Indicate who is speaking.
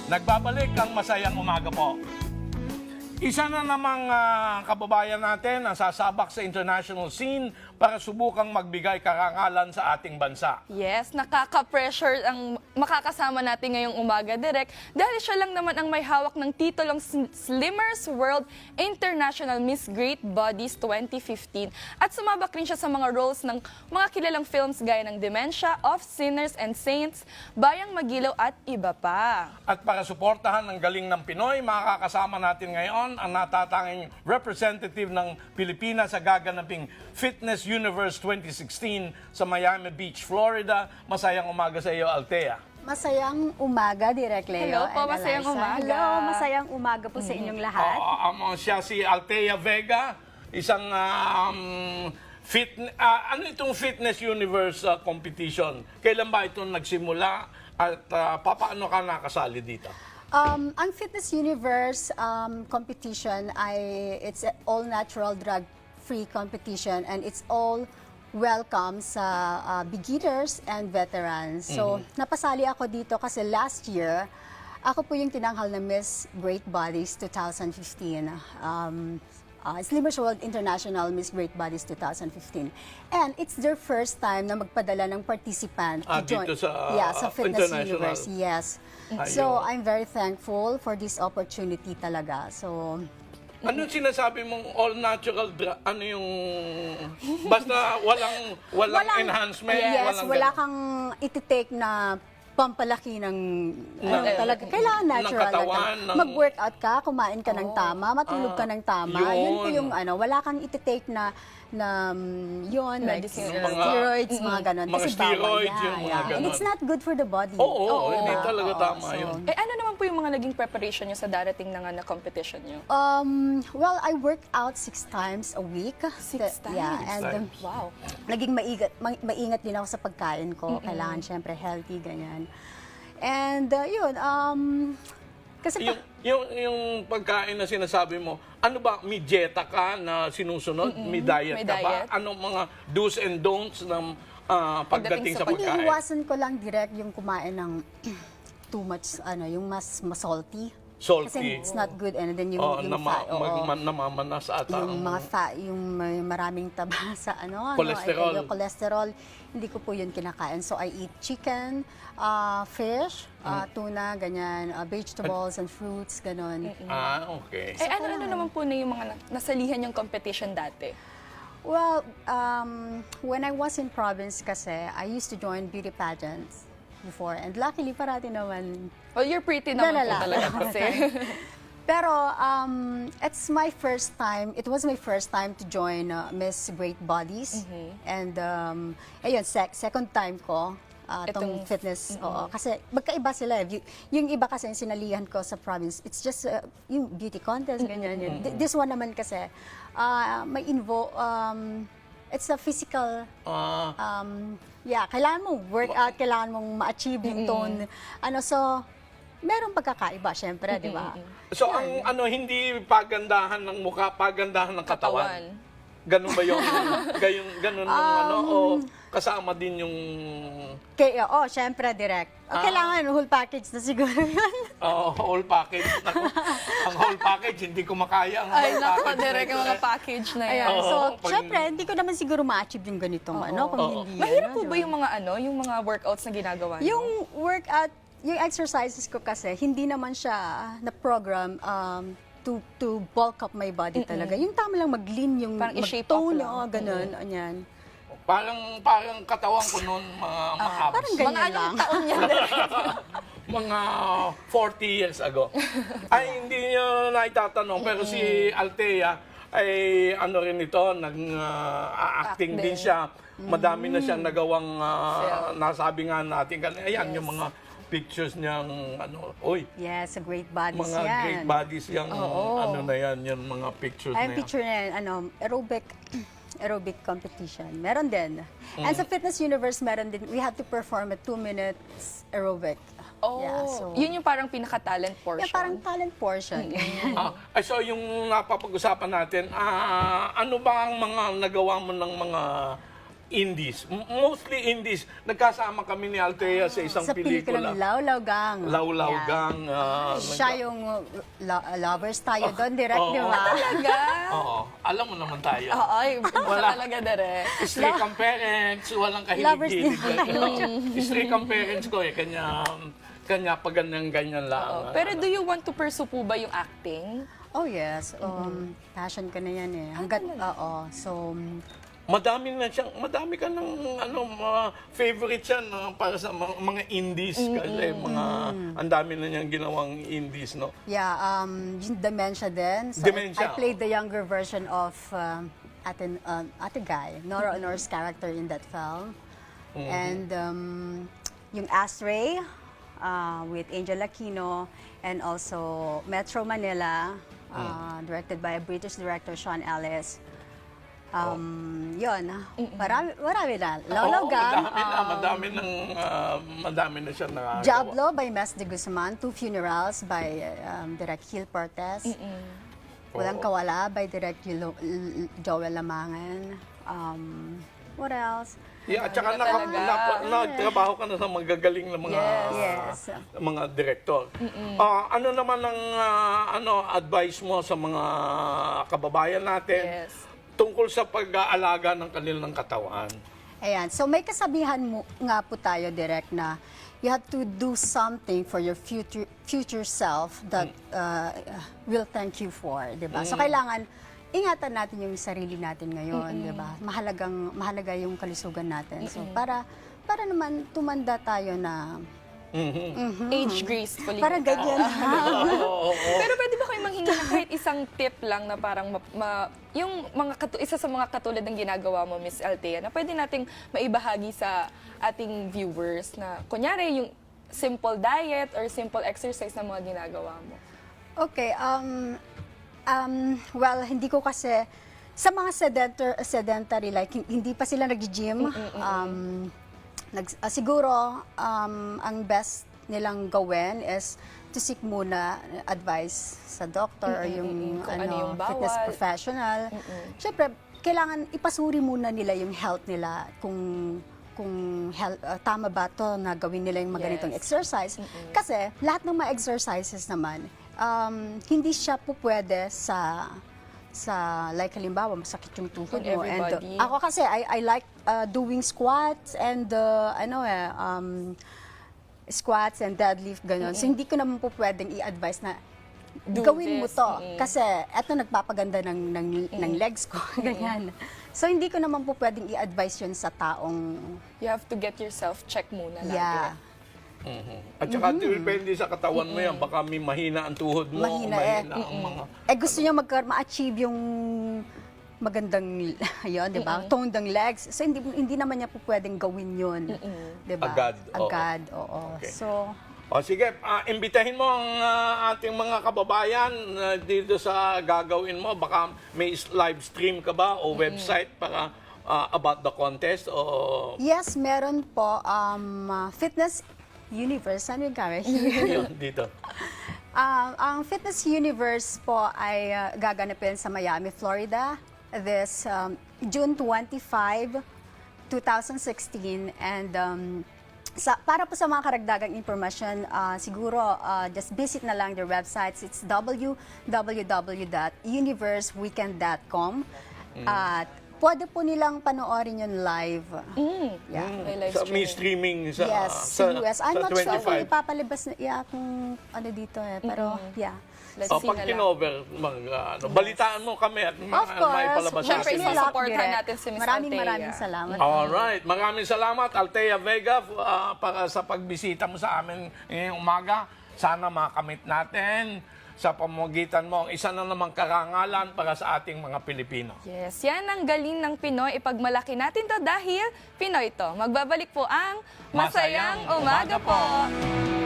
Speaker 1: Nagbabalik ang masayang umaga po. Isa na namang kababayan natin ang sasabak sa international scene para subukang magbigay karangalan sa ating bansa.
Speaker 2: Yes, nakaka-pressure ang makakasama natin ngayong umaga, Direk, dahil siya lang naman ang may hawak ng titulong Slimmers World International Miss Great Bodies 2015 at sumabak rin siya sa mga roles ng mga kilalang films gaya ng Dementia, Of Sinners and Saints, Bayang Magilaw at iba pa.
Speaker 1: At para suportahan ang galing ng Pinoy, makakasama natin ngayon ang natatanging representative ng Pilipinas sa gaganaping Fitness Universe 2016 sa Miami Beach, Florida. Masayang umaga sa iyo, Althea.
Speaker 3: Masayang umaga, Direk Leo.
Speaker 2: Hello po,
Speaker 3: and
Speaker 2: masayang
Speaker 3: Eliza.
Speaker 2: umaga.
Speaker 3: Hello, masayang umaga po sa inyong lahat.
Speaker 1: Siya si Althea Vega, isang ano itong Fitness Universe competition? Kailan ba ito nagsimula at paano ka nakasali dito?
Speaker 3: Ang Fitness Universe competition it's an all-natural drug-free competition and it's all welcome sa beginners and veterans. So, napasali ako dito kasi last year, ako po yung tinanghal na Miss Great Bodies 2015. Slimmers World International Miss Great Bodies 2015. And it's their first time na magpadala ng participant to join
Speaker 1: dito sa,
Speaker 3: sa Fitness
Speaker 1: international.
Speaker 3: Universe. Yes. So, I'm very thankful for this opportunity talaga. So,
Speaker 1: Anong sinasabi mong all-natural ano yung... Basta walang enhancement?
Speaker 3: Yes,
Speaker 1: walang
Speaker 3: wala
Speaker 1: ganun.
Speaker 3: kang iti-take na pampalaki ng talaga. Kailangan natural
Speaker 1: katawan,
Speaker 3: lang. Mag-workout ka, kumain ka ng tama, matulog ka ng tama. Yun po yung wala kang iti-take na yun, like steroids, mga ganon.
Speaker 1: Mga
Speaker 3: Kasi
Speaker 1: steroids,
Speaker 3: bawal
Speaker 1: yung mga ganon.
Speaker 3: And it's not good for the body.
Speaker 1: Oo, hindi talaga tama
Speaker 3: so,
Speaker 1: yun.
Speaker 2: Ano naman po yung mga naging preparation nyo sa darating na competition nyo?
Speaker 3: Well, I work out 6 times a week.
Speaker 2: 6 times?
Speaker 3: Yeah, and
Speaker 2: Wow.
Speaker 3: naging maingat din ako sa pagkain ko. Kailangan syempre healthy, ganyan. And kasi
Speaker 1: Yung pagkain na sinasabi mo, ano ba, may dieta ka na sinusunod? May diet
Speaker 2: May
Speaker 1: ka ba?
Speaker 2: diet.
Speaker 1: Anong mga do's and don'ts ng pagdating
Speaker 2: Pagdating
Speaker 1: sa
Speaker 2: sa
Speaker 1: pagkain?
Speaker 3: iniiwasan ko lang direct yung kumain ng too much, yung mas salty.
Speaker 1: Salty.
Speaker 3: Kasi it's not good. And then yung fat,
Speaker 1: namamanas ata.
Speaker 3: yung mga fat, yung may maraming taba sa
Speaker 1: Cholesterol.
Speaker 3: yung cholesterol, hindi ko po yun kinakain. So I eat chicken, fish, tuna, ganyan, vegetables and fruits, ganon.
Speaker 1: Okay.
Speaker 2: Ano naman po na yung mga nasalihan yung competition dati?
Speaker 3: Well, when I was in province kasi, I used to join beauty pageants before. And luckily, parati naman.
Speaker 2: Well, you're pretty naman po talaga kasi.
Speaker 3: Pero it's my first time, it was my first time to join Miss Great Bodies. And ayun, second time ko itong fitness. Oo, kasi magkaiba sila. Yung iba kasi yung sinalihan ko sa province, it's just yung beauty contest, ganyan. Yun. This one naman kasi, may it's a physical, kailangan mong workout, kailangan mong ma-achieve yung tone. So, merong pagkakaiba, syempre, di ba?
Speaker 1: So, ang hindi pagandahan ng mukha, pagandahan ng katawan. Ganun ba yung, ganun o kasama din yung...
Speaker 3: Syempre, direct. Kailangan whole package na siguro yun.
Speaker 1: Whole package. Naku, ang whole package, hindi ko makaya ang whole
Speaker 2: Ay, naku,
Speaker 1: package.
Speaker 2: direct yung mga package na yan.
Speaker 3: Ayan. So, syempre, hindi ko naman siguro ma-achieve yung ganitong kung hindi.
Speaker 2: Mahirap po ba yung mga yung mga workouts na ginagawa nyo?
Speaker 3: Yung workout, yung exercises ko kasi, hindi naman siya na-program to bulk up my body talaga. Yung tama lang mag-lean, yung
Speaker 2: Parang i-shape up
Speaker 3: mag-tone,
Speaker 2: lang.
Speaker 3: ganun, anyan.
Speaker 1: Parang katawan ko noon, mga abs.
Speaker 3: Parang ganyan lang.
Speaker 2: Taon yan.
Speaker 1: Mga 40 years ago. Ay, hindi nyo naitatanong, pero si Althea ay ano rin ito, nag-acting din siya. Madami na siyang nagawang, nasabi nga natin kanina, ayan yung mga pictures niyang,
Speaker 3: Yes, a great bodies
Speaker 1: mga
Speaker 3: yan.
Speaker 1: great bodies yung, na yan, yung mga pictures na
Speaker 3: Ay,
Speaker 1: yan.
Speaker 3: picture na yan, aerobic competition. Meron din. And sa Fitness Universe, meron din, we had to perform a 2 minutes aerobic.
Speaker 2: Yun yung parang pinaka-talent portion.
Speaker 3: Yeah, parang talent portion.
Speaker 1: So yung napapag-usapan natin, ano ba ang mga nagawa mo ng mga indies. Mostly indies. Nagkasama kami ni Althea sa isang
Speaker 3: Sa pelikulang
Speaker 1: pelikula.
Speaker 3: Lawlaw Gang.
Speaker 1: Lawlaw
Speaker 3: Yeah.
Speaker 1: Gang.
Speaker 3: Siya yung lovers tayo doon, direct,
Speaker 1: oo.
Speaker 3: di ba?
Speaker 2: Talaga?
Speaker 1: Oo. Alam mo naman tayo.
Speaker 2: Oo, ay,
Speaker 1: Wala.
Speaker 2: talaga direct.
Speaker 1: Strict ang parents, walang
Speaker 3: Lovers
Speaker 1: kahilig-hilig.
Speaker 3: din.
Speaker 1: Strict ang parents ko eh. Kanya pa ganyan lang.
Speaker 2: Oo. Pero do you want to pursue po ba yung acting?
Speaker 3: Oh yes, passion ko na yan eh. Hanggat, oo. So,
Speaker 1: Madami ka ng mga favorites yan para sa mga indies kasi ang dami na niyang ginawang indies, no?
Speaker 3: yeah, yung Dementia din. So,
Speaker 1: Dementia.
Speaker 3: I played the younger version of Ate Guy, Nora Honor's character in that film. And yung Astray with Angel Aquino, and also Metro Manila, directed by a British director, Sean Ellis. Yun, marami na. Lawlaw
Speaker 1: Oo,
Speaker 3: Gang,
Speaker 1: madami na siya nakagawa.
Speaker 3: Diablo by Mes de Guzman, Two Funerals by Direct Gil Portes, Walang Kawala by Direct Joel Lamangan. What else?
Speaker 1: Yeah, at saka nagtrabaho ka na sa magagaling na mga
Speaker 3: Yes.
Speaker 1: mga direktor. Ano naman ang advice mo sa mga kababayan natin
Speaker 2: Yes.
Speaker 1: tungkol sa pag-aalaga ng kanilang katawan?
Speaker 3: Ayan. So may kasabihan nga po tayo, Direk, na you have to do something for your future self that will thank you for, 'di ba? So kailangan ingatan natin yung sarili natin ngayon, 'di ba? Mahalaga yung kalusugan natin. So para naman tumanda tayo na
Speaker 2: Age gracefully.
Speaker 3: parang ganyan.
Speaker 2: Pero pwede ba kayo manghingi na kahit isang tip lang na parang yung isa sa mga katulad ng ginagawa mo, Miss Althea, na pwede nating maibahagi sa ating viewers na kunyari yung simple diet or simple exercise na mga ginagawa mo?
Speaker 3: Okay, well, hindi ko kasi sa mga sedentary, like hindi pa sila nag-gym, siguro ang best nilang gawin is to seek muna advice sa doctor or yung,
Speaker 2: Kung ano yung bawal.
Speaker 3: fitness professional. Siyempre, kailangan ipasuri muna nila yung health nila kung tama ba to na gawin nila yung mga ganitong exercise. Kasi lahat ng mga exercises naman, hindi siya po pwede sa like halimbawa masakit yung tuhod mo, and
Speaker 2: everybody.
Speaker 3: ako kasi I like doing squats and squats and deadlift ganun. So hindi ko naman po pwedeng i-advise na
Speaker 2: Do
Speaker 3: gawin mo
Speaker 2: this.
Speaker 3: to kasi eto nagpapaganda ng legs ko ganyan. So hindi ko naman po pwedeng i-advise 'yun sa taong
Speaker 2: You have to get yourself check muna lagi.
Speaker 3: yeah.
Speaker 1: At saka depende sa katawan mo yan, baka may mahina ang tuhod mo,
Speaker 3: Mahina eh.
Speaker 1: ang mga...
Speaker 3: Gusto niya ma-achieve yung magandang yun, di ba? Toned ang legs. So, hindi naman niya po pwedeng gawin yun. Di ba?
Speaker 1: Agad,
Speaker 3: oo.
Speaker 1: Okay.
Speaker 3: So,
Speaker 1: Sige, imbitahin mo ang ating mga kababayan dito sa gagawin mo. Baka may live stream ka ba o website para about the contest?
Speaker 3: yes, meron po. Fitness Universe. Ano yung camera?
Speaker 1: Yun, dito.
Speaker 3: Ang Fitness Universe po ay gaganapin sa Miami, Florida this June 25, 2016. And para po sa mga karagdagang impormasyon, siguro just visit na lang their websites. It's www.universeweekend.com. At pwede po nilang panoorin yun live. Yeah.
Speaker 2: May live
Speaker 1: May
Speaker 2: streaming.
Speaker 1: streaming
Speaker 3: Yes, sa US. I'm not sure kung
Speaker 1: 25.
Speaker 3: ipapalabas na kung ano dito eh. Pero, yeah.
Speaker 2: Let's see
Speaker 1: Pag
Speaker 2: na lang.
Speaker 1: kinover, balitaan mo kami at
Speaker 3: Of course.
Speaker 1: maipalabas
Speaker 2: Siyempre,
Speaker 1: natin.
Speaker 3: Wish me luck,
Speaker 2: supportan
Speaker 3: Direk.
Speaker 2: natin si Miss
Speaker 3: Maraming
Speaker 2: Althea.
Speaker 3: salamat.
Speaker 1: Alright, maraming salamat Althea Vega para sa pagbisita mo sa amin ngayong umaga. Sana makamit natin sa pamamagitan mo ang isa na namang karangalan para sa ating mga Pilipino.
Speaker 2: Yes, yan ang galing ng Pinoy. Ipagmalaki natin to dahil Pinoy to. Magbabalik po ang Masayang Umaga po.